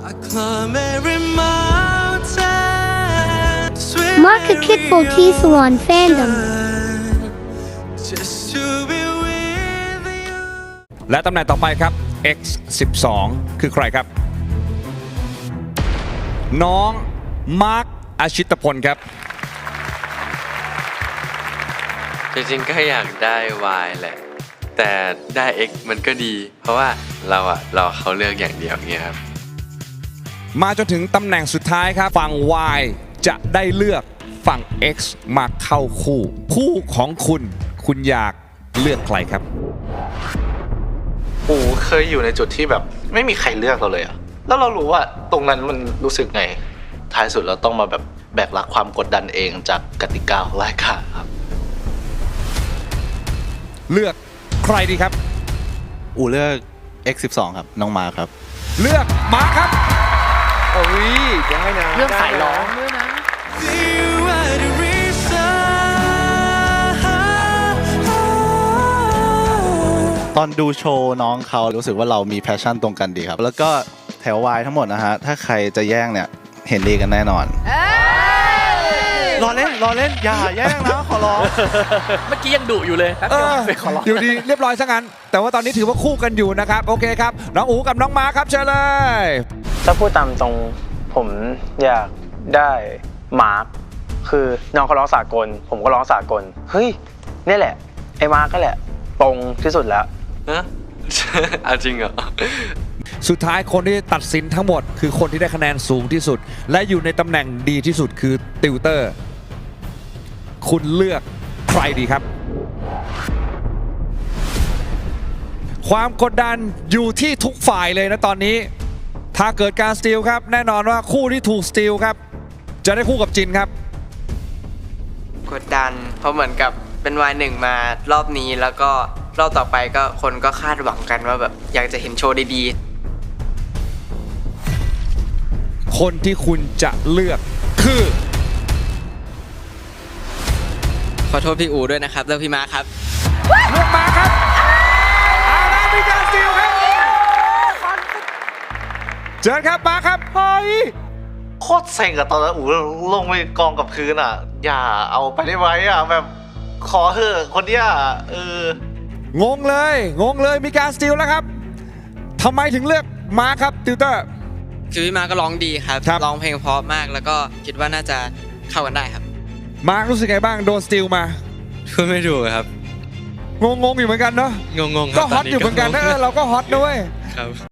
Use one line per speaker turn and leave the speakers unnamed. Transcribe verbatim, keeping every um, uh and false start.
Mark a kid for T Salon fandom
และตำแหน่งต่อไปครับ เอ็กซ์ สิบสอง คือใครครับ น้องมาร์คอาชิตพลครับ
จริงๆก็อยากได้ Y แหละแต่ได้ X มันก็ดี เพราะว่าเราอะเราเขาเลือกอย่างเดียวเงี้ยครับ
มาจนถึงตำแหน่งสุดท้ายครับฝั่ง Y จะได้เลือกฝั่ง X มาเข้าคู่คู่ของคุณคุณอยากเลือกใครครับ
อูเคยอยู่ในจุดที่แบบไม่มีใครเลือกเราเลยอะแล้วเรารู้ว่าตรงนั้นมันรู้สึกไงท้ายสุดเราต้องมาแบบแบกรับความกดดันเองจากกติกาของรายการครับ
เลือกใครดีครับ
อูเลือก เอ็กซ์ สิบสอง ครับน้องมาครับ
เลือกมาครับ
โอ้ยยังไงนะเรื่องสายร้องด้วยนะ
ตอนดูโชว์น้องเขารู้สึกว่าเรามีแพชชั่นตรงกันดีครับแล้วก็แถววายทั้งหมดนะฮะถ้าใครจะแย่งเนี่ยเห็นดีกันแน่นอนรอเล่นรอเล่นอย่าแย่งนะขอร้อง
เมื่อกี้ยังดุอยู่เลย
เอออยู่ดีเรียบร้อยซะงั้นแต่ว่าตอนนี้ถือว่าคู่กันอยู่นะครับโอเคครับน้องอูกับน้องมาครับเชิญเลย
ถ้าพูดตามตรงผมอยากได้มาร์คคือน้องเขาร้องสากลผมก็ร้องสากลเฮ้ยนี่แหละไอ้มาร์คก็แหละตรงที่สุดแล้ว
ฮะเอาจริงเหรอ
สุดท้ายคนที่ตัดสินทั้งหมดคือคนที่ได้คะแนนสูงที่สุดและอยู่ในตำแหน่งดีที่สุดคือติวเตอร์คุณเลือกใครดีครับความกดดันอยู่ที่ทุกฝ่ายเลยนะตอนนี้ถ้าเกิดการสตีลครับแน่นอนว่าคู่ที่ถูกสตีลครับจะได้คู่กับจินครับ
กดดันเพราะเหมือนกับเป็นวายหนึ่งมารอบนี้แล้วก็รอบต่อไปก็คนก็คาดหวังกันว่าแบบอยากจะเห็นโชว์ดี
ๆคนที่คุณจะเลือกคือ
ขอโทษพี่อูด้วยนะครับเลือกพี่มาครับ
เลือกมาครับอาราบิกาสตีลครับเชิญครับมาครับเฮ้ย
โคตรเซ็งอะตอนนั้นอูลงไปกองกับพื้นอะอย่าเอาไปได้ไหมอะแบบขอเถอะคนเนี้ยเออง
งเลยงงเลยมีการสตีลแล้วครับทำไมถึงเลือกมาครับติวเตอร์
คือพี่มาก็ร้องดีครับร้องเพลงเพราะมากแล้วก็คิดว่าน่าจะเข้ากันได้ครับ
มารู้สึกไงบ้างโดนสตีลมา
พูดไม่ถูกครับ
งงงอยู่เหมือนกันเนาะ
งงง
ก็ฮอตอยู่เหมือนกันนะเราก็ฮอตด้วย
ครับ